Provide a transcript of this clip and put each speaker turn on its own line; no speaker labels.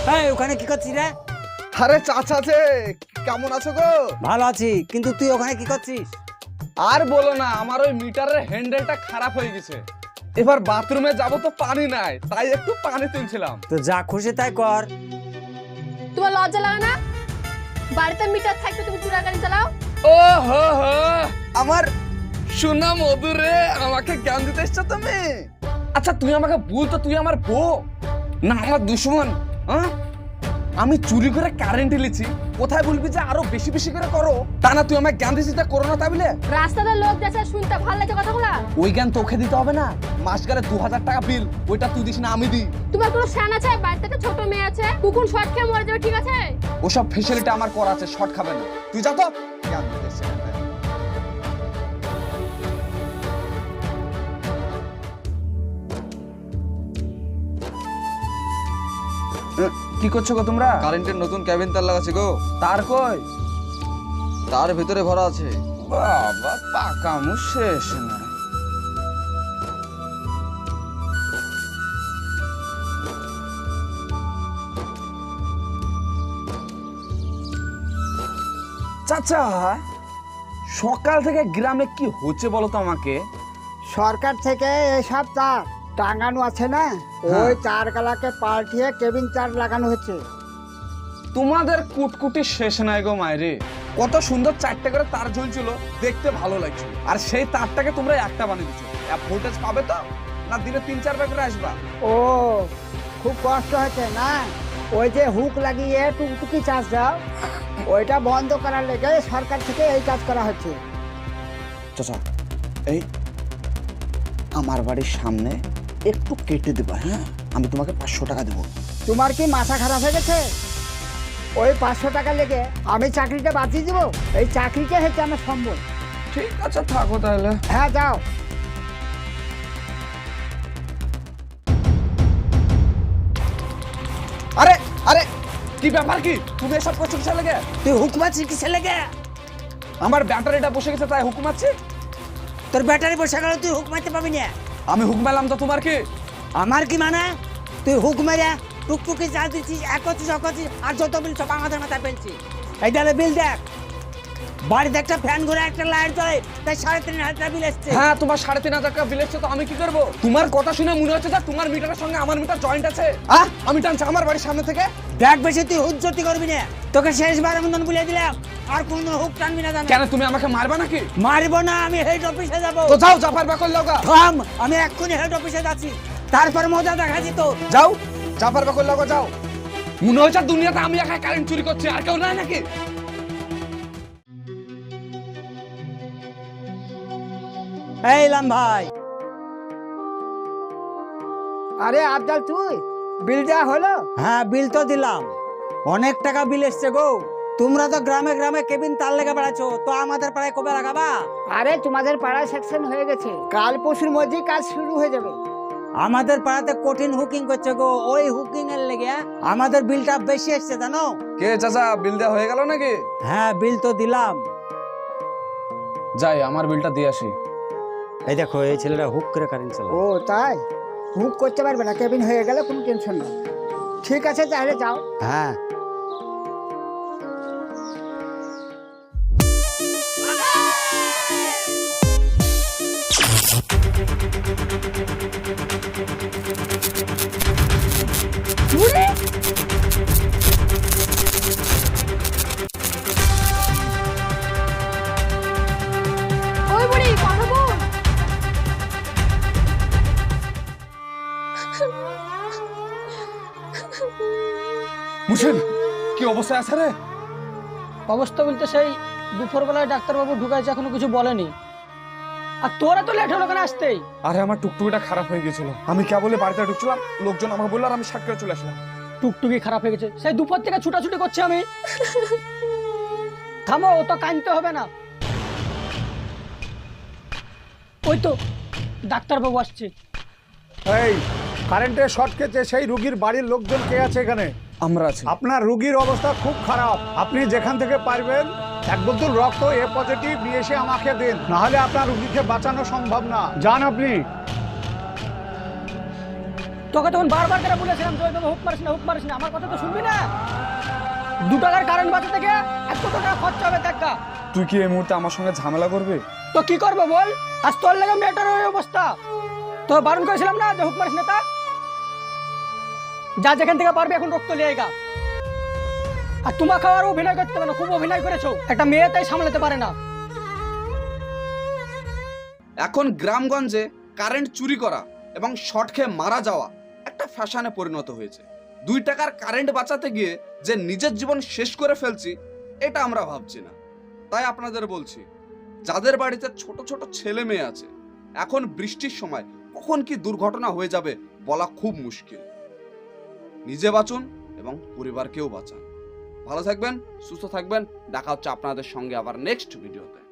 এই ওখানে কি করছিস রে?
আরে চাচা যে কেমন আছো গো?
ভালো আছি, কিন্তু তুই ওখানে কি করছিস?
আর বলো না, আমার ওই মিটারের হ্যান্ডেলটা খারাপ হয়ে গেছে। এবার বাথরুমে যাব তো পানি নাই, তাই একটু পানি তুলছিলাম।
তো যা খুশি তাই কর।
তোমার লজ্জা লাগে না? বাড়িতে মিটার থাকতে তুমি চুরা গাড়ি চালাও?
ও হো হো, আমার সোনা মধুরে, আমাকে জ্ঞান দিতে এসছো তুমি? আচ্ছা তুই আমাকে বল তো, তুই আমার বউ না আমার দুশমন? হ্যাঁ, আমি চুরি করে কারেন্ট এনেছি, কোথায় বলবি যে আরো বেশি বেশি করে করো, তা না তুই আমাকে জ্ঞান দিছিস, তা করো না তাই বলে?
রাস্তাতে লোক যাচ্ছে, শুনতে ভালো লাগে কথাগুলা।
ওই জ্ঞান তোকে দিতে হবে না, মাস গেলে 2000 টাকা বিল, ওইটা তুই দিস না আমি দিই।
তোমার কোনো শান আছে? বাড়িতে একটা ছোট মেয়ে আছে, কুকুর শর্ট খেয়ে মরে যাবে, ঠিক আছে?
ওসব ফেসিলিটি আমার করা আছে, শর্ট খাবে না। তুই যা তো, জ্ঞান দিতে এসছে। কি করছো গো তোমরা?
কারেন্টের নতুন ক্যাবিন তার লাগাচ্ছে গো।
তার কই?
তার ভিতরে ভরা আছে।
বাবা পাকামু শেষ না। চাচা, সকাল থেকে গ্রামে কি হচ্ছে বলো তো আমাকে?
সরকার থেকে এসব তার টাঙানো আছে না, ওই তারগুলাকে পাল্টিয়ে কেবিন তার লাগানো হচ্ছে।
তোমাদের কুটকুটি শেষ নাই গো মায়েরে। কত সুন্দর 4টে করে তার ঝুলছিল, দেখতে ভালো লাগছিল, আর সেই তারটাকে তোমরা একটা বানিয়ে দিচ্ছ। ভোল্টেজ পাবে তো না, দিনে 3-4 বার করে আসবা?
ও খুব কষ্ট হচ্ছে না? ওই যে হুক লাগিয়ে টুকটুকি চার্জ দাও, ওইটা বন্ধ করার লেগে সরকার থেকে এই কাজ করা হচ্ছে।
চাচা, এই আমার বাড়ির সামনে একটু কেটে দেবা, হ্যাঁ? আমি তোমাকে 500 টাকা দেবো।
তোমার কি মাথা খারাপ হয়ে গেছে? ওই 500 টাকা লেগে আমি চাকরিটা বাঁচিয়ে দেবো? এই চাকরিটা হচ্ছে আমার সম্বল।
ঠিক আছে, থাকো তাহলে।
হ্যাঁ যাও।
আরে আরে, কি ব্যাপার, কি তুমি এসব করছো কিসের লেগে?
তুই হুকুমাচ্ছিস কিসের লেগে?
আমার ব্যাটারিটা বসে গেছে তাই হুকুম আছে।
তোর ব্যাটারি বসে গেল, তুই হুক মারতে পাবি না।
আমি হুকুম এলাম তো, তোমার কি?
আমার কি মানে? তুই হুক মারিয়া টুকটুকি চার্জ দিচ্ছিস, একছিস অকছিস, আর যত বিল সব আমাদের মাথায় ফেলছিস। এই ডালে বিল দেখ, বাড়িতে একটা ফ্যান ঘুরে একটা লাইট জ্বলে, তাই 3500 টাকা বিল এসছে।
হ্যাঁ, তোমার 3500 টাকা বিল এসছে, তো আমি কি করবো? তোমার কথা শুনে মনে হচ্ছে যে তোমার মিটারের সঙ্গে আমার মিটার জয়েন্ট আছে। আমি টানছি আমার বাড়ির সামনে থেকে।
দেখ বেশি তুই হুজ্জতি করবি না, তোকে শেষবারের মতন বলে দিলাম, আর কোনদিন হুক টানবি না। জানো
কেন, তুমি আমাকে মারবা নাকি?
মারবো না, আমি হেড অফিসে যাবো।
তো যাও, জাফার বাকল লগা।
থাম, আমি এক্ষুনি হেড অফিসে যাচ্ছি, তারপর মজা দেখাচ্ছি তো।
যাও, জাফার বাকল লগা যাও। মনে হচ্ছে দুনিয়াতে আমি একা কারেন্ট চুরি করছি, আর কেউ নাই নাকি?
এই লাম ভাই।
আরে আফজাল, তুই বিল দেওয়া হলো?
হ্যাঁ, বিল তো দিলাম, অনেক টাকা বিল এসছে গো। তোমরা তো গ্রামে গ্রামে কেবিন তার লেগে বেড়াচ্ছ, তো আমাদের পাড়ায় কবে লাগাবা?
আরে তোমাদের পাড়ায় সেকশন হয়ে গেছে, কাল পরশুর মধ্যেই কাজ শুরু হয়ে যাবে।
আমাদের পাড়াতে কঠিন হুকিং করছে গো, ওই হুকিং এর লেগে আমাদের বিলটা বেশি এসছে জানো।
কে চাচা, বিল দেওয়া হয়ে গেল নাকি?
হ্যাঁ, বিল তো দিলাম।
যাই আমার বিলটা দিয়ে আসি।
এই দেখো, এই ছেলেটা হুক করে কারেন্ট চালায়।
ও তাই? হুক করতে পারবে না, কেবিন হয়ে গেলে কোনো টেনশন নেই। ঠিক আছে তাহলে যাও।
হ্যাঁ,
ওই বুড়ি কথা বল।
মুর্শিদ, কি অবস্থা আছে রে?
অবস্থা বলতে সেই দুপুরবেলায় ডাক্তারবাবু ঢুকাইছে, এখনো কিছু বলেনি। আর তোরা তো লেট হলো কেন আসতেই?
আরে আমার টুকটুকিটা খারাপ হয়ে গেছিল, আমি কেবলে বাড়িতে ঢুকছিলাম, লোকজন আমাকে বললো, আর আমি শার্ট করে চলে আসলাম।
টুকটুকি খারাপ হয়ে গেছে, সেই দুপুর থেকে ছুটাছুটি করছি আমি। থামো, ও তো কাঁদতে হবে না। ওই তো ডাক্তারবাবু আসছে।
এই কারেন্টের শর্ট খেয়েছে, সেই রুগীর বাড়ির লোকজন কে আছে এখানে?
আমরা আছি।
আপনার রুগীর অবস্থা খুব খারাপ, আপনি যেখান থেকে পারবেন এক বোতল রক্ত এ পজিটিভ নিয়ে এসে আমাকে দিন, নাহলে আপনার রুগীকে বাঁচানো সম্ভব না। যান আপনি।
তোকে তখন বারবার করে বলেছিলাম যে ওইভাবে হুক মারিস না আমার কথা তো শুনবি না। 2 টাকার কারেন্ট বাঁচাতে গিয়ে 100 টাকা খরচা হবে দেখা।
তুই কি এই মুহূর্তে আমার সঙ্গে ঝামেলা করবে?
তো কি করবো বল, আজ তোর লেগে মেয়েটার ওই অবস্থা। তো বারণ করেছিলাম না যে হুক মারিস না তা। যা যেখান থেকে পারবে এখন রক্ত লিয়ে গা। আর তোমার খাওয়ার অভিনয় করতে হবে না, খুব অভিনয় করেছো। একটা মেয়ে তাই সামলাতে পারে না।
এখন গ্রামগঞ্জে কারেন্ট চুরি করা এবং শর্ট খেয়ে মারা যাওয়া একটা ফ্যাশনে পরিণত হয়েছে। 2 টাকার কারেন্ট বাঁচাতে গিয়ে যে নিজের জীবন শেষ করে ফেলছি, এটা আমরা ভাবছি না। তাই আপনাদের বলছি, যাদের বাড়িতে ছোট ছোট ছেলে মেয়ে আছে, এখন বৃষ্টির সময় কখন কি দুর্ঘটনা হয়ে যাবে বলা খুব মুশকিল। নিজে বাঁচুন এবং পরিবারকেও বাঁচান। ভালো থাকবেন, সুস্থ থাকবেন। দেখা হচ্ছে আপনাদের সঙ্গে আবার নেক্সট ভিডিওতে।